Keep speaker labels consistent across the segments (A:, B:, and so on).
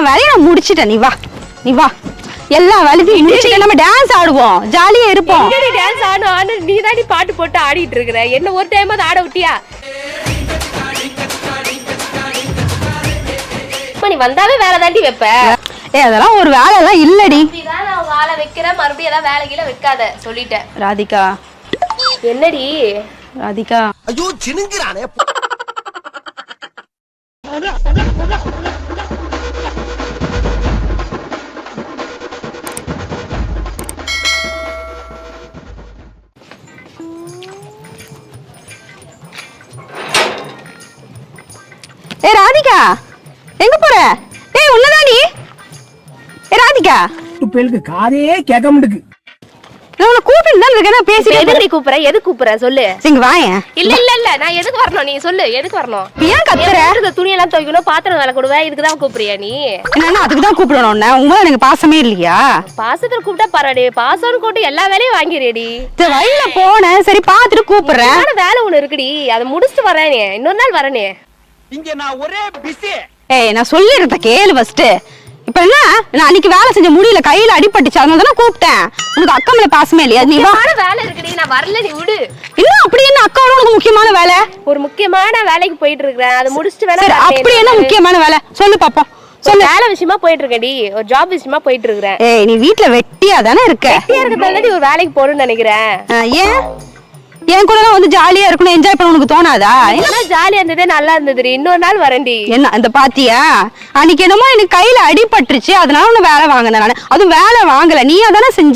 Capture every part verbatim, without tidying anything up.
A: வேலையும் நான் முடிச்சிட்டேன். நீ வா நீ வா எல்லா வேலையும் முடிச்சிட்டு நம்ம டான்ஸ் ஆடுவோம், ஜாலியா இருப்போம்.
B: நீ டான்ஸ் ஆடு ஆடு நீ தாண்டி பாட்டு போட்டு ஆடிட்டு இருக்கற. என்ன ஒரு டைம் ஆட விட்டியா? நீ வந்தாவே வேலை தாண்டி வைப்ப.
A: ஏ அதெல்லாம் ஒரு வேலை எல்லாம் இல்லடி.
B: நீதான் நான் வேலை வைக்கிறேன், மறுபடியும் ஏதாவது வேலை கீழ வைக்காத சொல்லிட்டேன்.
A: ராதிகா
B: என்னடி
A: ராதிகா?
C: ஐயோ சினுங்கிறானே.
A: ஏ ராதிகா எங்க போற? ஏய் உள்ளதாடி. ஏ ராதிகா
D: பேருக்கு காதே கேட்க மாட்டுக்கு.
A: நான் உன்னை கூப்பிட்டு தான் இருக்கேன். பேசிட்டு
B: எதுக்கு கூப்பிடுற? எதுக்கு கூப்பிடுற சொல்லு.
A: இங்க வாயேன்.
B: இல்ல இல்ல இல்ல நான் எதுக்கு வரணும்? நீ சொல்லு எதுக்கு வரணும்?
A: ஏன் கத்துற?
B: இந்த துணி எல்லாம் துவைக்கணும், பாத்திரம் வேலை கொடுவேன், இதுக்கு தான் கூப்பிடுறியா நீ?
A: என்ன அதுக்கு தான் கூப்பிடணும் உன்னை? உங்க எனக்கு பாசமே இல்லையா?
B: பாசத்துல கூப்பிட்டா பரவாடி, பாசம்னு கூப்பிட்டு எல்லா வேலையும் வாங்கிடுடி.
A: வழியில போனேன், சரி பாத்துட்டு கூப்பிடுறேன்.
B: வேலை ஒண்ணு இருக்குடி, அதை முடிச்சுட்டு வரேனே, இன்னொரு நாள் வரேனே.
D: இங்க நான் ஒரே பிஸி.
A: ஏய் நான் சொல்லிருந்த கேளு ஃபர்ஸ்ட். இப்ப என்ன, நான் அன்னைக்கு வேலை செஞ்ச முடியல, கையில அடிபட்டுச்சு, அதனால தானே கூப்பிட்டேன். உனக்கு அக்கா மேல பாசமே இல்லையா? நீ வா.
B: வேலை இருக்குடி, நான் வரல, நீ விடு.
A: இல்ல அப்படி என்ன அக்காவோட உனக்கு முக்கியமான வேலை?
B: ஒரு முக்கியமான வேலைக்கு போயிட்டு இருக்கேன், அதை முடிச்சுட்டு வேணா.
A: அப்படி என்ன முக்கியமான வேலை சொல்லு பாப்போம்.
B: சொல்லு. வேலை விஷயமா போயிட்டு இருக்கேன்டி, ஒரு ஜாப் விஷயமா போயிட்டு இருக்கேன்.
A: ஏய் நீ வீட்ல வெட்டியா தானே இருக்க?
B: வெட்டியா இருக்கிறதால ஒரு வேலைக்கு போறேன்னு நினைக்கிறேன்.
A: ஏன் என் கூட வந்து ஜாலியா இருக்கணும், என்ஜாய் பண்ண உனக்கு தோணாதா?
B: என்ன ஜாலியா இருந்ததே நல்லா இருந்தது. இன்னொரு நாள் வரேன்டி.
A: என்ன அந்த பாத்தியா, அன்னைக்கு என்னமோ எனக்கு கையில அடிபட்டுருச்சு, அதனால உன்னை வேலை வாங்கினேன் நானு. அதுவும் வேலை வாங்கல, நீ அதானே செஞ்ச.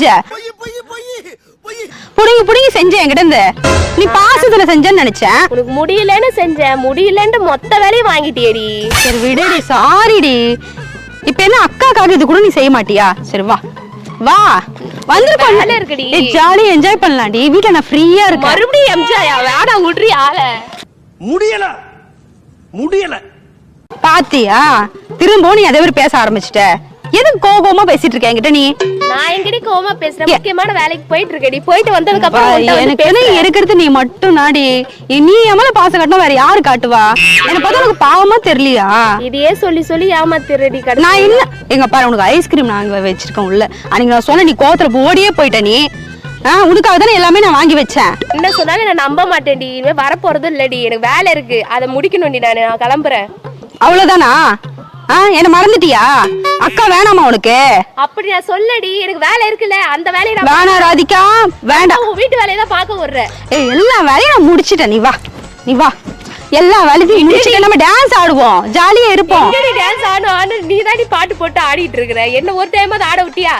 A: புடுங்கி புடுங்கி செஞ்ச என்கிட்ட இருந்து. நீ பாசத்துல செஞ்சேன்னு நினைச்சேன்.
B: உனக்கு முடியலன்னு செஞ்சேன், முடியலன்னு மொத்த வேலையும் வாங்கிட்டியேடி.
A: சரி விடுடி, சாரிடி. இப்ப என்ன அக்காக்காக இது கூட நீ செய்ய மாட்டியா? சரி வா வா வந்து
B: வேலை இருக்குடி,
A: ஜாலியா என்ஜாய் பண்ணலாம்டி. வீட்ல நான் ஃப்ரீயா இருக்கேன்.
B: மறுபடியும் எம்ஜாயா? வேடா விடுறி ஆள.
D: முடியல முடியல
A: பாத்தியா, திரும்ப நீ அதே மாதிரி பேச ஆரம்பிச்சிட்ட. எதுக்கு கோபமா பேசிட்டு இருக்க என்கிட்ட நீ?
B: நான் எங்கடி கோவமா பேசுறேன்? முக்கியமான வேலைக்கு போயிட்டு இருக்கேடி. போயிட்டு வந்ததுக்கு அப்புறம்
A: எனக்கு என்ன இருக்கிறது நீ மட்டும் நாடி. நீ எமல பாச காட்டணும், வேற யாரு காட்டுவா? எனக்கு பார்த்தா உனக்கு பாவமா தெரியலையா?
B: இதையே சொல்லி சொல்லி ஏமாத்திரடி.
A: நான் இல்ல எங்க பாரு, உனக்கு ஐஸ்கிரீம் நான் வச்சிருக்கேன் உள்ள. அன்னைக்கு நான் சொன்ன, நீ கோவத்துல ஓடியே போயிட்ட. நீ ஆஹ் உனக்காக தானே எல்லாமே நான் வாங்கி வச்சேன்.
B: என்ன சொன்னாலும் நான் நம்ப மாட்டேன்டி. இனிமே வரப்போறதும் இல்லடி, எனக்கு வேலை இருக்கு, அதை முடிக்கணும்டி. நானு நான் கிளம்புறேன்.
A: அவ்வளவுதானா? ஆஹ் என்ன மறந்துட்டியா? அக்கா வேணாமா உனக்கு?
B: அப்படி நான் சொல்லடி, எனக்கு வேலை இருக்குல்ல, அந்த வேலையை நான்
A: வேணாம் ராதிகா வேண்டாம்.
B: உன் வீட்டு வேலையை தான் பார்க்க வர்றேன்.
A: ஏய் எல்லா வேலையும் நான் முடிச்சிட்டேன். நீ வா நீ வா எல்லா வேலையும் முடிச்சிட்டு நம்ம டான்ஸ் ஆடுவோம், ஜாலியா இருப்போம்.
B: டான்ஸ் ஆடு ஆடு நீ தாண்டி பாட்டு போட்டு ஆடிட்டு இருக்கற. என்ன ஒரு டைம் ஆட ஆட விட்டியா?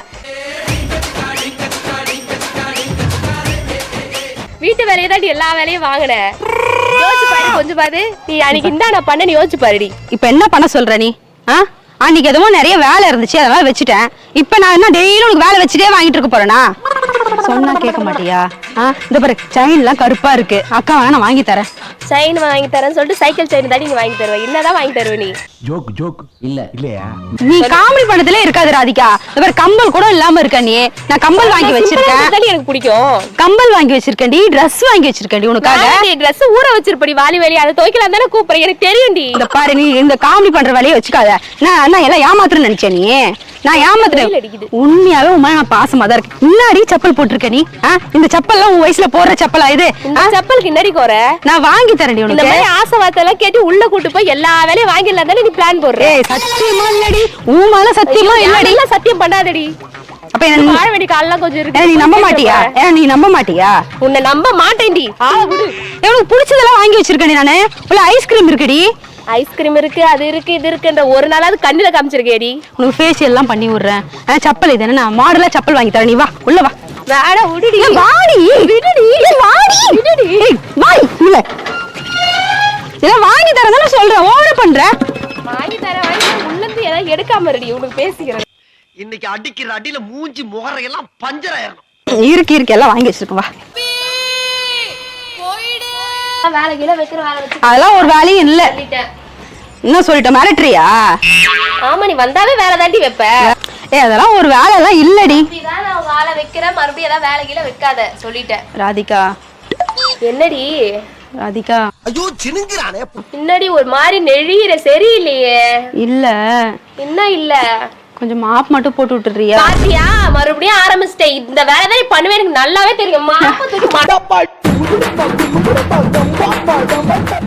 B: வீட்டு வேலையை தாண்டி எல்லா வேலையும் வாங்கின. யோசிச்சு பாரு, கொஞ்சம் பாரு. நீ அன்னைக்கு இந்தா நான் பண்ண, நீ யோசிச்சு பாருடி.
A: இப்ப என்ன பண்ண சொல்ற நீ? ஆ அன்னைக்கு எதுவும் நிறைய வேலை இருந்துச்சு, அதனால வச்சுட்டேன். இப்ப நான் என்ன டெய்லி உனக்கு வேலை வச்சுட்டே வாங்கிட்டு இருக்க போறேனா? சொன்னா கேட்க மாட்டியா? ஆ இந்த பாரு, செயின் எல்லாம் கருப்பா இருக்கு, அக்கா வேணா நான் வாங்கி தரேன்.
B: செயின் வாங்கி தரேன்னு சொல்லிட்டு சைக்கிள் செயின் தாண்டி நீ வாங்கி தருவ. என்னதான் வாங்கி தருவ நீ?
D: ஜோக் ஜோக் இல்ல இல்லையா?
A: நீ காமெடி பண்ணதுல இருக்காது ராதிகா. இந்த பாரு கம்பல் கூட இல்லாம இருக்க நீ. நான் கம்பல் வாங்கி வச்சிருக்கேன்,
B: எனக்கு பிடிக்கும்.
A: கம்பல் வாங்கி வச்சிருக்கேன்டி, ட்ரெஸ் வாங்கி வச்சிருக்கேன்டி உனக்காக.
B: நீ ட்ரெஸ் ஊற வச்சிருப்படி வாலி வேலி, அதை துவைக்கலாம் தானே கூப்பிடுறேன். எனக்கு தெரியும்டி.
A: இந்த பாரு, நீ இந்த காமெடி பண்ற வேலையை வச்சுக்காத. நான் நான் எல்லாம் ஏமாத்துறேன்னு நினைச்சேன் நீ. நான் ஏமாத்துறேன் உண்மையாவே. உமா நான் பாசமா தான் இருக்கேன். முன்னாடி செப்பல் போட்டிருக்க நீ. இந்த செப்பல்லாம் உன் வயசுல போடுற செப்பலா இது?
B: செப்பலுக்கு என்னடி கோர?
A: நான் வாங்கி தரேன் உனக்கு.
B: இந்த மாதிரி ஆசை வார்த்தை எல்லாம் கேட்டு உள்ள கூட்டு போய் எல்லா வேலையும் வாங்கிடலாம் தானே நீ பிளான் போடுற.
A: ஏய் சத்தியமா இல்லடி, உமால சத்தியமா இல்லடி.
B: இல்ல சத்தியம் பண்ணாதடி.
A: அப்ப என்ன
B: வாழ வேண்டிய கால்லாம் கொஞ்சம் இருக்கு.
A: நீ நம்ப மாட்டியா? ஏ நீ நம்ப மாட்டியா?
B: உன்னை நம்ப மாட்டேன்டி. ஆ விடு.
A: எனக்கு பிடிச்சதெல்லாம் வாங்கி வச்சிருக்கேன் நானு. உள்ள ஐஸ்கிரீம் இருக்குடி.
B: ஐஸ்கிரீம் இருக்கு, அது இருக்கு, இது இருக்குன்ற ஒரு நாளாவது கண்ணுல காமிச்சிருக்கேடி.
A: உனக்கு ஃபேஷியல் எல்லாம் பண்ணி விடுறேன். செப்பல் இது என்ன மாடலா செப்பல் வாங்கி தரேன். நீ வா உள்ள வா.
B: வேட விடுடி.
A: வாடி விடுடி வாடி விடுடி. வாய் இல்ல இத வாங்கி தரேன்னு சொல்றேன். ஓவர் பண்ற.
B: வாங்கி தரேன் வாங்கி தரேன் உள்ள இருந்து ஏதாவது எடுக்காம இருடி. உனக்கு பேசிக்கிறேன்.
C: இன்னைக்கு அடிக்கிற அடியில மூஞ்சி முகரை எல்லாம் பஞ்சர் ஆயிரணும்.
A: இருக்கு இருக்கு எல்லாம் வாங்கி வச்சிருக்கோம். வா
B: வேலை கீழ வைக்கிற வேலை வச்சு
A: அதெல்லாம் ஒரு வேலையும் இல்ல. என்ன சொல்லிட்ட, மிரட்டறியா?
B: ஆமா நீ வந்தாவே வேலை தாண்டி வைப்ப.
A: ஏய் அதெல்லாம் ஒரு வேலை எல்லாம் இல்லடி.
B: நீதான் நான் வேலை வைக்கிறேன், மறுபடியும் ஏதாவது வேலை கீழ வைக்காத சொல்லிட்டேன்.
A: ராதிகா
B: என்னடி?
A: ராதிகா
C: ஐயோ சினுங்கிறானே.
B: பின்னாடி ஒரு மாதிரி நெழியிற சரியில்லையே.
A: இல்ல
B: என்ன இல்ல,
A: கொஞ்சம் மாப் மட்டும் போட்டு விட்டுறியா?
B: பாத்தியா மறுபடியும் ஆரம்பிச்சிட்டேன். இந்த வேலை தான் நீ பண்ணுவே, எனக்கு நல்லாவே தெரியும். மாப்ப தூக்கி